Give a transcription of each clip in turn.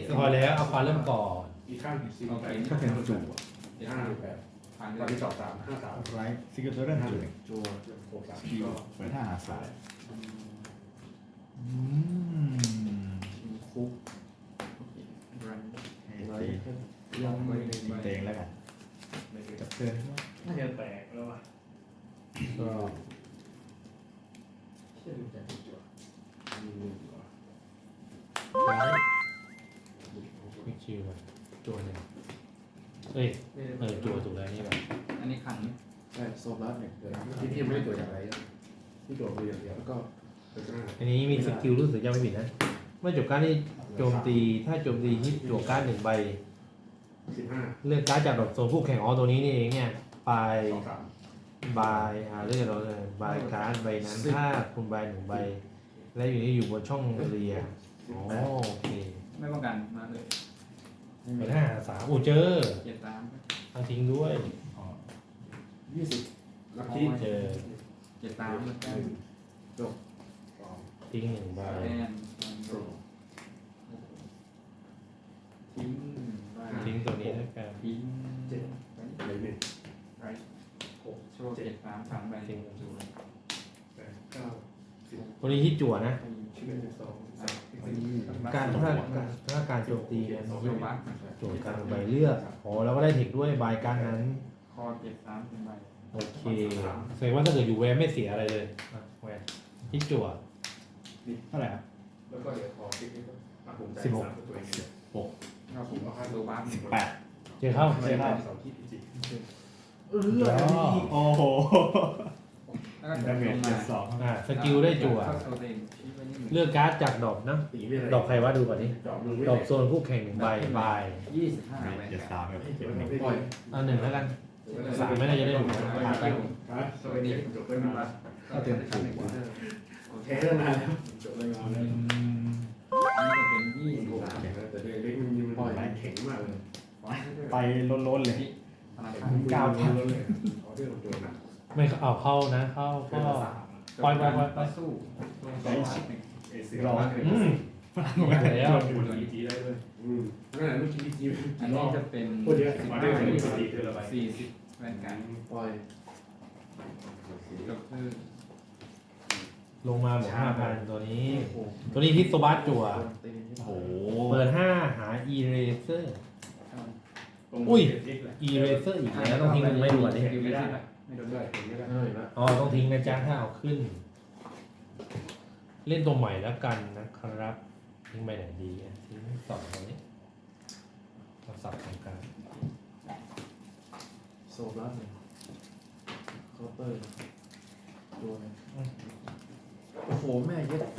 พอแล้วเอาฟ้าเริ่มก่อนอีกข้างสี่โอเคแปดถ้าเป็นจู่ห้าแปดผ่านตอนเลนี้ยสอบ3 5 3 ไรซิกเกอร์ตัวเรื่องห้าเลยจัว6 3 คิวเปิดห้าหาสายคุกรันตีลงไปเตงแล้วกันจับเตือนน่าจะแตกแล้วอ่ะก็เชื่อดูจากจัวมี1จัวมิกชิวแบบจัวหนึ่งเอ้ยจัวถูกแล้วนี่แบบอันนี้ขันใช่โซลัสเนี่ยเกิดที่พี่ไม่ได้ตัวอย่างไรที่โดดไปอย่างเดียวแล้วก็เป็นหน้าอันนี้มีสกิลรู้สึกจะไม่ผิดนะเมื่อจบการที่โจมตีถ้าโจมตีฮิตจั่วการ์ดหนึ่งใบ 15 เลือกการ์ดจากดอกโซนคู่แข่งตัวนี้นี่เองเนี่ยไป 2 3 บายเลือกเราเลยบายการ์ดใบนั้นถ้าคุณใบหนึ่งใบ และอยู่นี่อยู่บนช่องเรียอ๋อโอเคไม่ป้องกันมาเลยเป็นห้าสามเจอเจ็ดตามเอาทิ้งด้วย 20ลัคกี้เจอเจ็ดตามแล้วก็จบทิ้งหนึ่งใบแอนทิ้งทิ้งตัวนี้แล้วกันทิ้ง 7เลย1 ไรโชว์เจ็ดตาม3ใบทิ้งจู 8 9 ตัวนี้ที่จั่วนะ 11 12 การถ้าการโจมตีเนี่ยโยบัสจั่วการใบเลือกอ๋อแล้วก็ได้เทคด้วยใบการนั้นคอเจ็ดตามเป็นใบโอเคแสดงว่าถ้าเกิดอยู่แวนไม่เสียอะไรเลยแวนที่จั่วเท่าไหร่ครับแล้วก็เดี๋ยวขอคลิกนี้ก็ผมใจ3ตัวเองเลยเราผมเอาโยบัสแปดเจอเข้าไม่ได้2ที่จริงโอ้โหแล้วก็ดาเมลจงเจ็มาดสองสกิลได้จั่วเข้าตัวเองชี้ไว้นี่เลือกการ์ดจากดอกนะตีไม่ได้ดอกใครวะดูก่อนนี้ดอกมือไม่ดอกโซนคู่แข่งหนึ่งใบใบ 25ใบเจ็ดสามกับให้เจ็เก็ดบหไว้นึ่งปล่อยเอาหนึ่งแล้วกันสามไม่น่าจะได้ถูกผ่านไปสวัสดีจบเรื่องมาก็เต็มถูกว่าแค่เรื่องนานแล้วจบเรื่องงานแล้วอันนี้ก็เป็น23 แต่เด็กเล็กมันปล่อยแข็งมากเลยไปล้นๆเลยธนาคาร 9,000 เลยเขาเรื่องโดนนะไม่เอาเข้านะเข้าก็ ปล่อยสู้ลง2 1 เอเซียรอแล้วดูดีจีได้เลยนั่นแหละลูกชิ้นดีจีอันนี้จะเป็นพูดเยอะ 40แว่นกันปล่อยก็คือลงมาหมด5,000ตัวนี้ ตัวนี้ฮิตโซบัสจั่วโอ้โหเปิด5หา eraser eraser อีกแล้วต้องทิ้งมันไม่ดูอ่ะดิไม่ได้ไม่โดนได้ด้วยเห็นไหมล่ะอ๋อต้องทิ้งนะจ๊ะถ้าเอาขึ้น เล่นตัวใหม่แล้วกันนะครับทิ้งไปไหนดีอ่ะทิ้งสองตัวนี้เราสับตรงกลางโซบลัสเลยเคาน์เตอร์ตัวนึงโอ้โหแม่เย็ด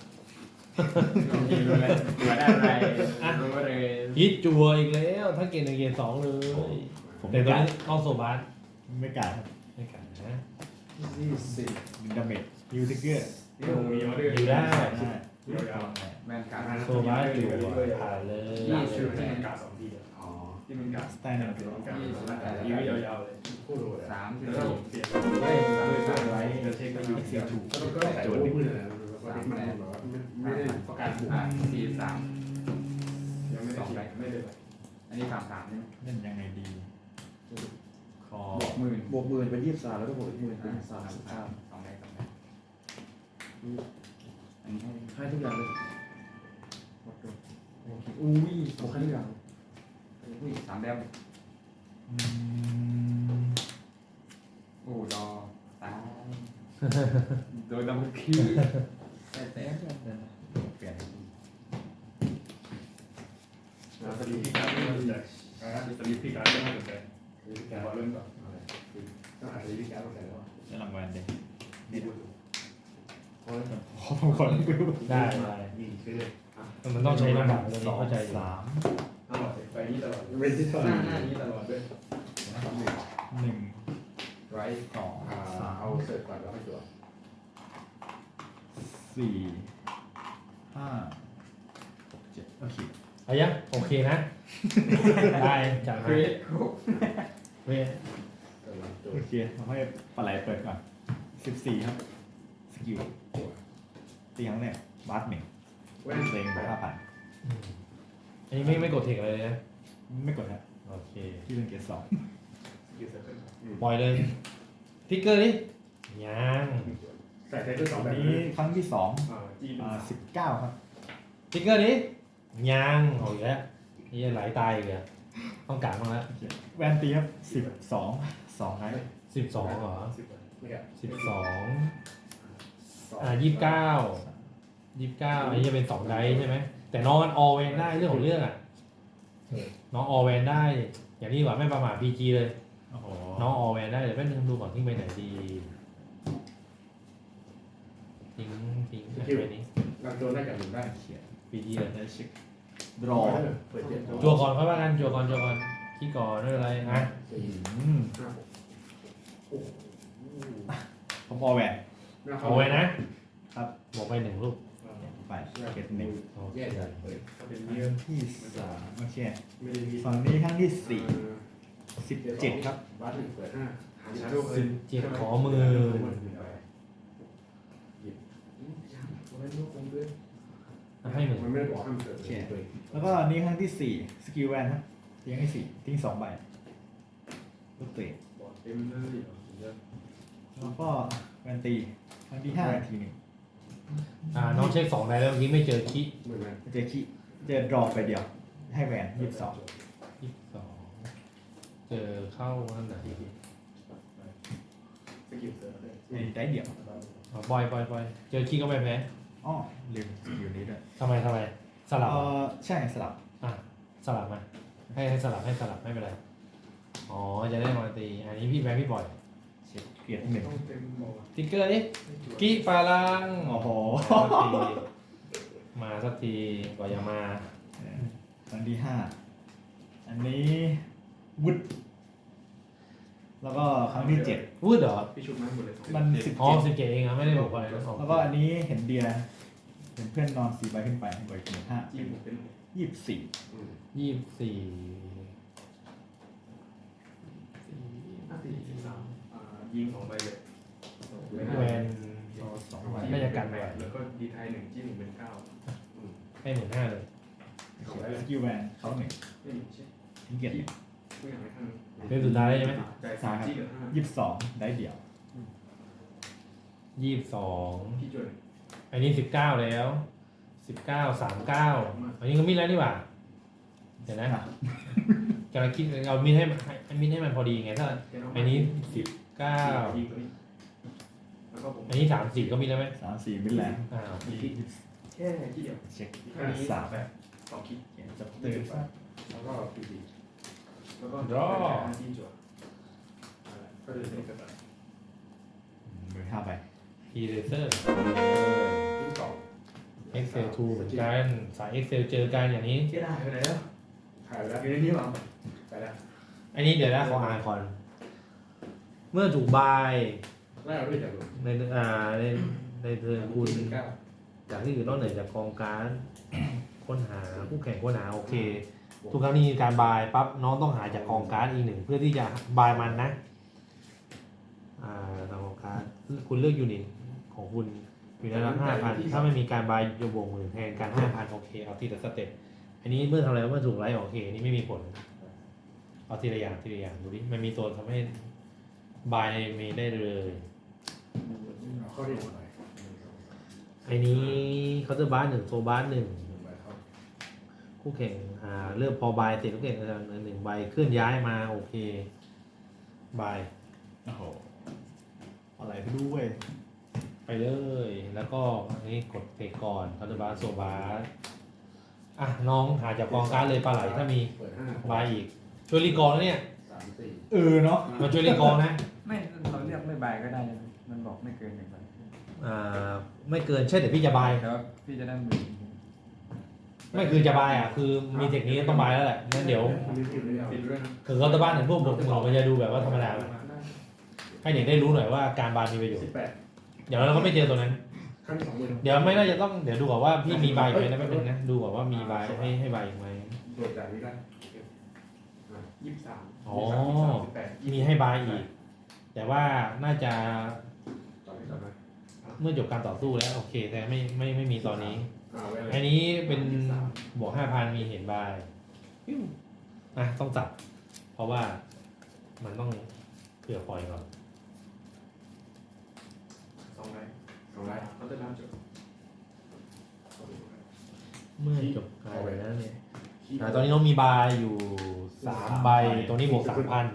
ดูเลยดูได้อะไรรู้เลยฮิตจั่วอีกแล้ว ถ้าเกณฑ์1เกณฑ์2เลยผมแต่ไม่ตัวกล้านี้เอาโซบัสไม่กล้าครับไม่กันนะดาเมจยูทิกเกอร์นี่ผมมีออเดอร์อยู่ได้ยาวแว่นกันโซบัสอยู่ผ่านเลยชื่อที่มันกา2ทีอ๋อที่มันกาสไตล์หนึ่งยืดยาวๆเลยคู่โดด 3 แล้ว 4 เปลี่ยนด้วยสร้างไว้จะเช็คก็อยู่ที่ถูกก็ใส่โจทย์มือนะมันแบบว่าไม่ได้ประกาศบุก 4 3 ยังไม่ได้ไม่ได้อันนี้3 3ใช่ไหมเล่นยังไงดี คอบวกหมื่นบวกหมื่นเป็น23แล้วก็บวกอีกหมื่นเป็น33 2ได้2ได้อันนี้ให้ทุกอย่างเลยหมดตัวอุ้ยบวกให้ทุกอย่างอุ้ย3แดมอืมโอ้ดอตายโดยดับเบิลคิวแต่เปลี่ยนสลีพี่การไม่สนใจสลีพี่การไม่สนใจพี่การเริ่มก่อนต้องหาสลีพี่การต้องใส่แล้วได้รางวัลเด็กดีดูขอบคุณได้ยิงคือมันต้องใช้ลำบากตัวนี้เข้าใจอยู่สามตลอดไปนี้ตลอดเป็นที่ตลอดหน้านี้ตลอดด้วยหนึ่งไรสองเอาเสร็จก่อนแล้วค่อยจวดสี่ห้าหกเจ็ดโอเคเอายังโอเคนะ ได้จัดเกมารดเว้ยโอเคเราให้ปลาไหลเปิดก่อน14ครับสกิลตีครั้งแรกบาสหนึ่งแว่นเซ็งไป5,000 ไอนนี้ไม่กดเทคอะไรเลยนะไม่กดครับโอเคที่เป็นเกียร์สองยูเซอร์เคิลปล่อยเลยทิกเกอร์ดิยังใส่ไทเกอร์สองอัแบนบนี้ครั้งที่สองจีน 19ครับทิกเกอร์ดิยังเอาอีกแล้วนี่ไหลตายอีกแล้วต้องการบ้างแล้วโอเคแวนตีครับ12ไลท์ 12เหรอไม่แก่ 12 29อันนี้จะเป็น2ไดส์ใช่ไหมแต่น้องมันออเวนได้เรื่องของเรื่องอ่ะน้องออเวนได้ อย่างนี้ดีกว่าไม่ประมาท PG เลยโอ้โหน้องออเวนได้เดี๋ยวแป๊บนึงดูก่อนทิ้งไปไหนดีทิ้งไปนี้นำโจนได้กับหนึ่งได้เขียน PG เลยได้เช็คดรอเปิดเจ็ดจัวก่อนค่อยว่ากันจัวก่อนขี้ก่อนไม่เป็นไรอ่ะผมออแวนเอาไว้นะครับ บอกไป1ลูกไปเก็ตหนึ่งโอเคแย่จังเลยเป็นครั้เยอะงที่3โอเคไม่ได้มีฝั่งนี้ครั้งที่17ครับบัตหนึ่งเปิด5หาชาร์โดเลย 17ขอมือ ให้หนึ่งมันไม่ได้บอกห้ามเปิดเลยแล้วก็อันนี้ครั้งที่4สกิลแวนครับทิ้งให้4ทิ้ง2ใบลูกเตะบอกเต็มเลยแล้วก็แวนตีครั้งที่5ทีหนึ่งน้องเช็ค2ไดแล้วเมื่อกี้ไม่เจอขี้เหมือนกันเจอขี้เจอดรอไปเดียว ให้แวน22 เจอเข้านั่นไหนสกิลเสริมเลยได้เดียวปล่อยเจอขี้ก็ไม่แพ้อ๋อลืมสกิลนี้ด้วยทำไมสลับใช่สลับสลับมาให้สลับไม่เป็นไรอ๋อจะได้มาตีอันนี้พี่แพ้พี่บ่อยเช็คเกียร์หนึ่งต้องเต็มบอกติ๊กเกอร์ดิกี้ปาลังโอ้โหมาสักทีกว่าจะมาครั้งที่5อันนี้วุดแล้วก็ครั้งที่7 พูดเหรอพี่ชุบมาหมดเลยมันอ๋อ 17 17เองไม่ได้บอกไปแล้วก็อันนี้เห็นเดียเห็นเพื่อนนอน4ใบขึ้นไปใบเกียร์5 จีนผมเป็น 24 24 ยิง2ใบเลยแวน 2ใบก็จะกันไปแล้วก็ดีไทย1จีน1เป็น9 ให้15เลยสกิลแวนเขาหนึ่งไม่มีใช่ทิ้งเกียร์หนึ่งผู้อย่างไรข้างเป็นสุดท้ายใช่ไหมใจสามจีนเหลือ 22ได้เดี่ยว 22 พี่จวนอันนี้19แล้ว19 39อันนี้ก็มีแล้วนี่หว่าเดี๋ยวนะกำลังคิดเอามีดให้มันพอดีไงถ้าอันนี้19 ยิงตัวนี้แล้วก็ผมอันนี้34ก็มีแล้วไหม 3-4มิลแลนด์แค่ที่เดียวเช็คอันนี้ 3 แบบ2คิดเขียนจับตื่นแล้วก็ปีดีแล้วก็จีนจวนก็เลยเป็นกระต่ายมือ5ใบพีเรเซอร์ที่สอง Excel 2เหมือนกันสาย Excel เจอกันอย่างนี้ที่ได้ไปแล้วหายไปแล้วอยู่ในนี้หรอไปแล้วอันนี้เดี๋ยวนะขออ่านก่อน เมื่อถูกบายไล่เราด้วยจากดูในเทิร์นคุณ 9 จากที่อื่นนอกเหนือจากกองการ ค้นหาคู่แข่งค้นหาโอเค ทุกครั้งที่มีการบายปั๊บน้องต้องหาจากกองการ์ดอีกหนึ่งเพื่อที่จะบายมันนะจากกองการ์ดคุณเลือกยูนิตของคุณอยู่ในระดับ5,000 ถ้าไม่มีการบายจะบวกหมื่นแทนการ 5,000 โอเคเอาทีละสเต็ปอันนี้เมื่อทำอะไรเมื่อถูกไล่โอเคนี่ไม่มีผลเอาทีละอย่างดูดิมันมีตัวทำให้บายมีได้เลยข้อที่หนึ่งไอ้นี้เขาจะบาร์1โซบาร์1คู่แข่งเริ่มพอบายเสร็จคู่แข่งหนึ่งใบเคลื่อนย้ายมาโอเคบายโอ้โหอะไรไปด้วยไปเลย แล้วก็อันนี้กดเพย์ก่อนเขาจะบาร์โซบาร์น้องหาจากกองการดเลยปลาไหลถ้ามีเปิดบายอีกช่วยรีกองแล้วเนี่ย 5 3 เนาะมาช่วยรีกองนะไม่เราเลือกไม่บายก็ได้นะมันบอกไม่เกิน1ใบไม่เกินเช่นเดี๋ยวพี่จะบายแต่ว่าพี่จะได้มือไม่คือจะบายคือมีเทคนิคต้องบายแล้วแหละงั้นเดี๋ยวปิดด้วยนะคือเขาจะบ้านถึงพวกบกมือมันจะดูแบบว่าธรรมดาให้เด็กได้รู้หน่อยว่าการบายมีประโยชน์ 18 เดี๋ยวเราก็ไม่เจอตัวนั้นขั้นที่2มือเดี๋ยวไม่น่าจะต้องเดี๋ยวดูก่อนว่าพี่มีใบอีกไหมนะไม่เป็นนะดูก่อนว่ามีใบให้ใบอีกไหมโดดจากนี้ได้23 อ๋อ มีให้ใบอีก แต่ว่าน่าจะต่อไปต่อไปเมื่อจบการต่อสู้แล้วโอเค แต่ไม่มีตอนนี้เวลาอันนี้เป็นบวก 5,000 มีเห็นใบเต้องจับ เพราะว่ามันต้องเผื่อปล่อยก่อนสองไลท์เขาจะน้ำจบเมื่อจบการไปแล้วเนี่ยตอนนี้น้องมีบายอยู่3 ใบ ตรงนี้บวก 3,000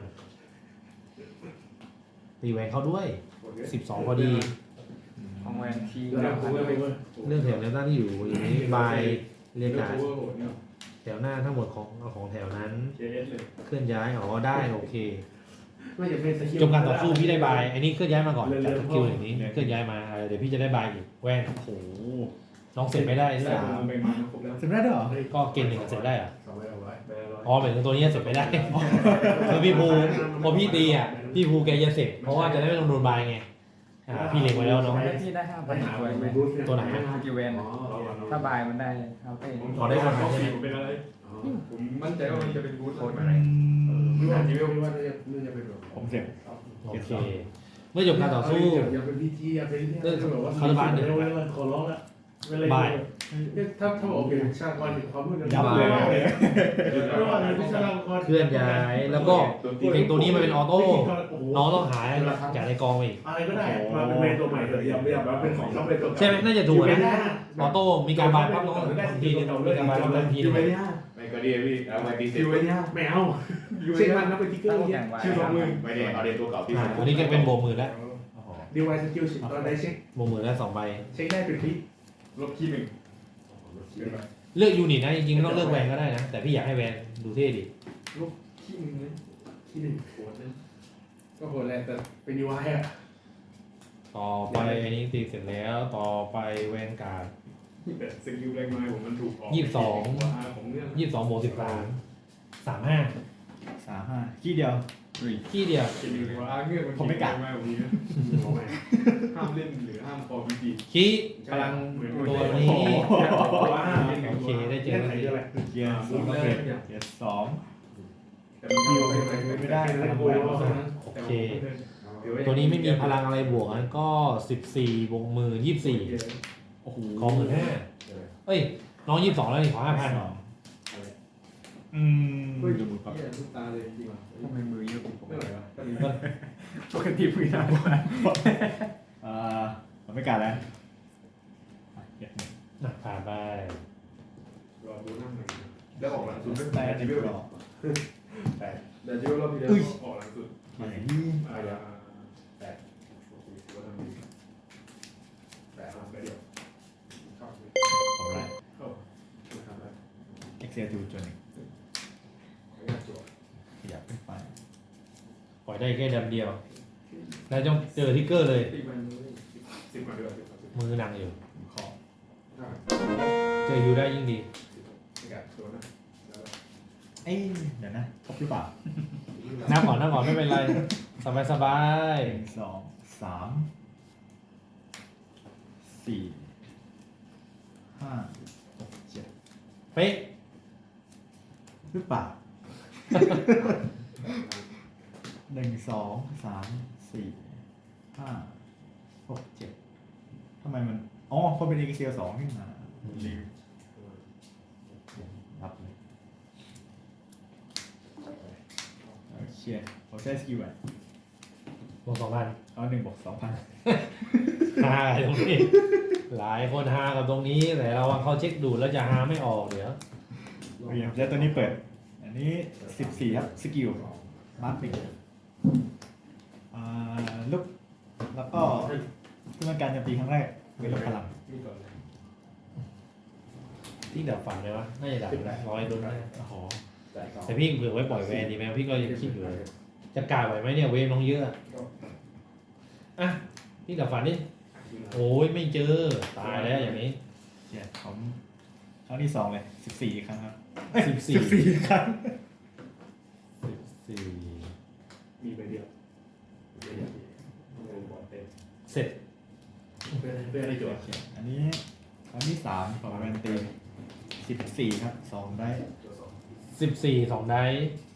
ตีแหวนเขาด้วย 12 พอดีของแวนทีแล้วกูไม่เว้ยเรื่องแถวแนวหน้าที่อยู่อย่างนี้บายเรียกการแถวหน้าทั้งหมดของแถวนั้นเคเอสเลยเคลื่อนย้ายได้โอเคไม่จะเป็นสกิลจบการต่อสู้พี่ได้บายอันนี้เคลื่อนย้ายมาก่อนจากสกิลอย่างนี้เคลื่อนย้ายมาเดี๋ยวพี่จะได้บายอีกแวนโอ้โหน้องเสร็จไม่ได้ที่ได้ 3 ไปมาครบแล้วจำได้ด้วยเหรอก็เกณฑ์หนึ่งเสร็จได้เหรอสองใบเอาไว้ใบละร้อยอ๋อหมายถึงตัวนี้เสร็จไม่ได้คือพี่ภูพอพี่ตีพี่ภูแกจะเสร็จเพราะว่าจะได้ไม่ต้องโดนบายไงพี่เล็งไว้แล้วเนาะแล้วพี่ได้5,000 ปัญหาตัวไหมตัวไหนสกิลเวนถ้าบายมันได้ครับเอ้ขอได้5,000 ใช่ไหมเป็นอะไรผมมั่นใจว่ามันจะเป็นบูทโคตรไม่ว่าจีเวลไม่ว่าจะเป็นแบบผมเสร็จโอเคเมื่อจบการต่อสู้อย่าเป็นพีจีอย่าเป็นเนี่ยแบบว่าคาร์บานเนี่ยขอร้องละถ้าบอกเป็นชาติวันความมืดยับเลยไม่ว่าเป็นชาติวันเคลื่อนย้ายแล้วก็เพลงตัวนี้มันเป็นออโต้น้องต้องหาจากในกองมาอีกอะไรก็ได้มาเป็นเมนตัวใหม่เถอะอย่าแบบเป็นของต้องเป็นตัวใช่ไหมน่าจะถูกนะออโต้มีการบายปั๊บน้องทีนึงมีการบายปั๊บทีนึงไม่ก็ดีพี่เอามาตีเสร็จไม่เอาเช็คมันนับเป็นติ๊กเกอร์ชื่อสองมือไม่ได้เอาเด็กตัวเก่าที่อันนี้ก็เป็นโบมือแล้วดีไวสกิลตอนได้เช็คโบมือแล้ว2 ใบเช็คได้เป็นคลิปลบขี้หนึ่งเลือกยูนิตนะจริงๆไม่ต้องเลือกแวนก็ได้นะแต่พี่อยากให้แวนดูเท่ดิขี้หนึ่งเลยขี้หนึ่งโหดเลยก็โหดแหละแต่เป็นดีไวอะต่อไปอันนี้ตีเสร็จแล้วต่อไปแวนการ์ดสกิลแรงไม้ผมมันถูกออก ของเรื่อง 22บวก13 35 35ขี้เดียวขี้เดียวสกิลว่าเงื่อนมันไม่กัดมาแบบนี้ห้ามเล่นหรือห้ามคอพีจีขี้พลังตัวนี้ว่าโอเคได้เจอไหนด้วยเกียร์2เกียร์2 แต่มันคิวไม่ได้นะโกยโอเค ตัวนี้ไม่มีพลังอะไรบวกนั้นก็14บวกมือ24 โอ้โหขอ15,000เอ้ยน้อง22แล้วนี่ขอ 5,000 เฮ้ยทุกตาเลยจริงว่ะทำไมมือเยอะกว่าผมไม่ไหววะปกติมือหนาผมไม่กัดแล้วเกียร์ผ่านไปรอดูนั่งหน่อยแล้วออกหลังสุดแต่แต่ที่จิไม่เวลรอแต่จิเวลรอบที่แล้วออกหลังสุดมาไหนอะไรแต่โอเคถือว่าทำดีแต่ทำไปเดียวเข้าของไรเข้าทำได้ Excel จูจนหนึ่งไม่น่าจั่วขยับขึ้นไปปล่อยได้แค่ดำเดียวแล้วต้องเจอทิกเกอร์เลยตีมัน10มาด้วย10 มือหนังอยู่ขอเจอยูได้ยิ่งดีไม่กัดตัวนะเอ้ยเดี๋ยวนะครบหรือเปล่านั่งก่อนไม่เป็นไร สบาย 1 2 3 4 5 6 7 เป๊ะหรือเปล่า 1 2 3 4 5 6 7ทำไมมันอ๋อคนเป็น Excel 2ขึ้นมาลืมรับเลยโอเคผมใช้สกิลอ่ะบวก2,000 เอา1 บวก 2,000 ฮาตรงนี้ หลายคนฮากับตรงนี้แต่เราเขาเช็คดูดแล้วจะฮาไม่ออกเดี๋ยวโอเคผมใช้ตัวนี้เปิด อันนี้14ครับสกิลมาร์คหนึ่งลุกแล้วก็ที่มันการโจมตีครั้งแรกเป็นลบพลังนี่ก่อนเลยที่ดับฝันเลยวะน่าจะดับได้ร้อยโดนได้โอ้โหจ่ายก่อนแต่พี่เผื่อไว้ปล่อยแวนดีไหมพี่ก็ยังคิดอยู่เลยจะกล้าไหวไหมเนี่ยเวฟน้องเยอะอ่ะพี่ดับฝันดิโอ้ยไม่เจอตายแล้วอย่างนี้เนี่ยผมครั้งที่2เลย14 ครั้งครับ 14 ครั้ง 14 มีใบเดียวบอลเต็มเสร็จเป็นอะไรจั่วโอเคอันนี้ครั้งที่3ของแวนตี14 ครับ2ได้จั่ว2 14 2ได้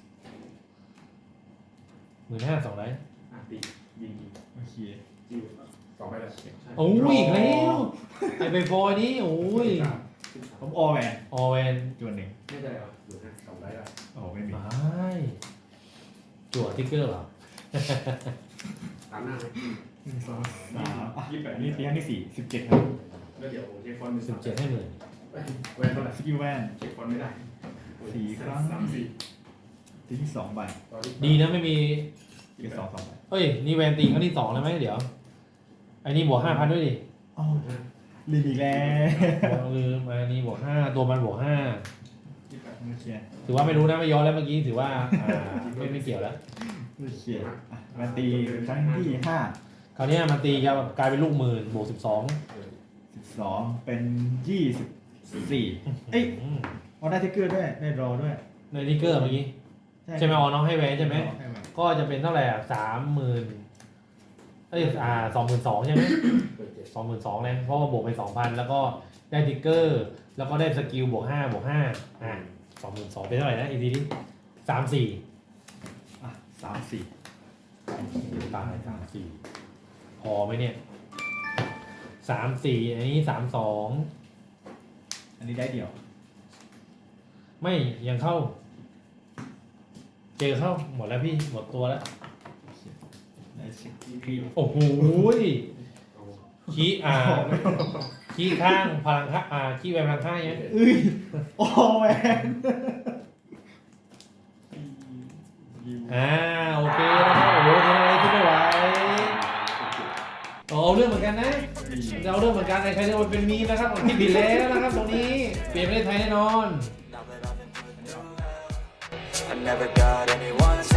15,000 2ได้ตียิงโอเคจิ้ว2ไปแล้วโอ้ยอีกแล้วไอใบฟอยนี่โอ้ยผมออแมนออเวนจวนหนึ่งไม่ได้เหรอหรือนะสองได้ละโอ้ไม่มีไม่จั่วติ๊กเกอร์เหรอตามหน้าไหมหนึ่งสองสามอ่ะ 28 อันนี้ตีครั้งที่47ครับแล้วเดี๋ยวเช็คฟอนต์ 17ให้หมื่นแวนเท่าไหร่สกิลแวนเช็คฟอนต์ไม่ได้สี่ครั้ง 3-4 ตีที่2ใบตอนนี้ดีนะไม่มีเกียร์2 2ใบเอ้ย นี่แวนตีครั้งที่2แล้วไหมเดี๋ยว อันนี้บวก 5,000 ด้วยดิอ๋อลืมอีกแล้วลืมอันนี้บวก 5 ตัวมันบวก 5 โอเคถือว่าไม่รู้นะไม่ย้อนแล้วเมื่อกี้ถือว่าไม่เกี่ยวแล้วโอเคอ่ะมาตีครั้งที่5 คราวนี้มันตีจะกลายเป็นลูกหมื่นบวก 12 12เป็น24เอ้ยเอาได้ทิกเกอร์ด้วยได้รอด้วยในนิกเกอร์เมื่อกี้ใช่ไหมอ๋อน้องให้แวนใช่ไหมให้แวนก็จะเป็นเท่าไหร่อ่ะ30,000เอ้ย22,000ใช่ไหมเปิดเจ็ด 22,000เลยเพราะว่าบวกไป 2,000 แล้วก็ได้ทิกเกอร์ แล้วก็ได้สกิลบวก5บวก522,000เป็นเท่าไหร่นะอีกทีนี้34 อ่ะ34 ตาย34พอไหมเนี่ย34อันนี้32 อันนี้ได้เดี่ยวไม่ยังเข้า เจอเข้าหมดแล้วพี่หมดตัวแล้วได้เช็คคีโอ้โหขี้ขี้ข้างพลังข้างขี้แวนพลังข้างยังเอ้ยโอ้แมนโอเคนะครับโอ้โหทำอะไรที่ไม่ไหวเอาเรื่องเหมือนกันนะเอาเรื่องเหมือนกันในใครจะมาเป็นมีมนะครับที่ผิดแล้วนะครับตรงนี้เปลี่ยนประเทศไทยแน่นอน I never got anyone's